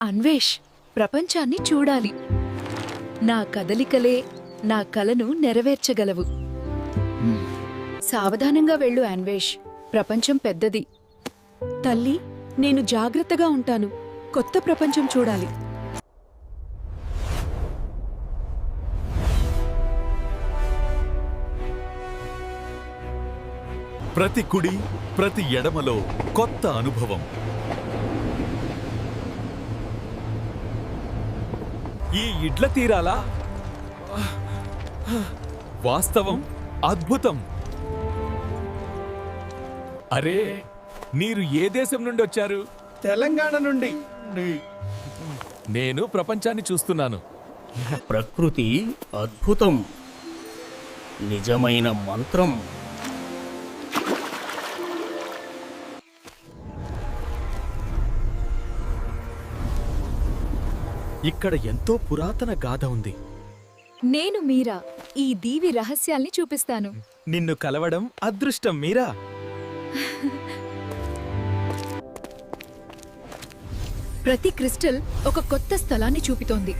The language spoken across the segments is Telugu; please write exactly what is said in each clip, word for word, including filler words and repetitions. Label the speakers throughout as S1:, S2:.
S1: అన్వేష్, ప్రపంచాన్ని చూడాలి. నా కదలికలే నా కలను నెరవేర్చగలవు. సావధానంగా వెళ్ళు అన్వేష్, ప్రపంచం పెద్దది.
S2: తల్లి, నేను జాగ్రత్తగా ఉంటాను. కొత్త ప్రపంచం చూడాలి.
S3: ప్రతి కుడి ప్రతి ఎడమలో కొత్త అనుభవం. ఈ ఇడ్ల తీరాలా వాస్తవం, అద్భుతం. అరే, మీరు ఏ దేశం నుండి వచ్చారు?
S4: తెలంగాణ నుండి.
S3: నేను ప్రపంచాన్ని చూస్తున్నాను.
S5: ప్రకృతి అద్భుతం, నిజమైన మంత్రం.
S3: ఇక్కడ ఎంతో పురాతన గాథ ఉంది.
S1: నేను మీరా, ఈ దీవి రహస్యాల్ని చూపిస్తాను.
S4: నిన్ను కలవడం అదృష్టం మీరా.
S1: ప్రతి క్రిస్టల్ ఒక కొత్త స్థలాన్ని చూపుతోంది.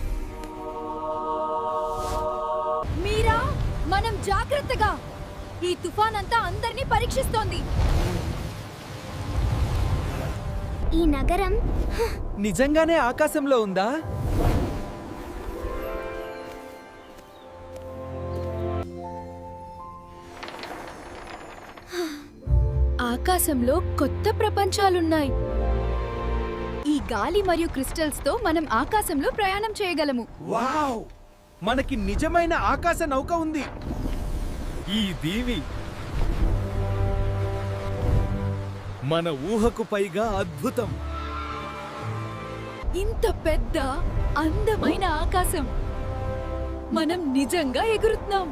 S1: మీరా, మనం జాగ్రత్తగా. ఈ తుఫాన్ అంతా అందరినీ పరీక్షిస్తోంది.
S6: ఈ నగరం
S4: నిజంగానే ఆకాశంలో ఉందా?
S1: ఆకాశంలో కొత్త ప్రపంచాలున్నాయి. ఈ గాలి మరియు క్రిస్టల్స్ తో మనం ఆకాశంలో ప్రయాణం చేయగలము.
S4: వావ్! మనకి నిజమైన ఆకాశ నౌక ఉంది.
S3: ఈ దీవి మన ఊహకు పైగా అద్భుతం.
S1: ఇంత పెద్ద అందమైన ఆకాశం. మనం నిజంగా ఎగురుతున్నాం.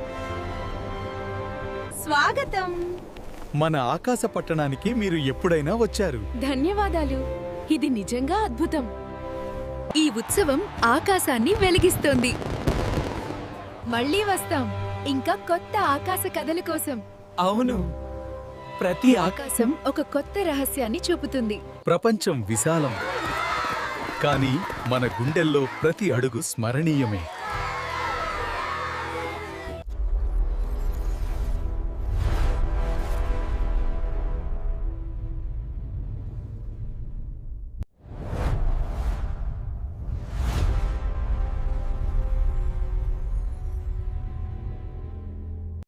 S1: స్వాగతం.
S3: మన ఆకాశ పట్టణానికి మీరు ఎప్పుడైనా వచ్చారు?
S1: ధన్యవాదాలు. ఇది నిజంగా అద్భుతం. ఈ ఉత్సవం ఆకాశాన్ని వెలిగిస్తోంది. మళ్ళీ వస్తాం, ఇంకా కొత్త ఆకాశ కథల కోసం.
S4: అవును, ప్రతి
S1: ఆకాశం ఒక కొత్త రహస్యాన్ని చూపుతుంది.
S3: ప్రపంచం విశాలం, కానీ మన గుండెల్లో ప్రతి అడుగు స్మరణీయమే.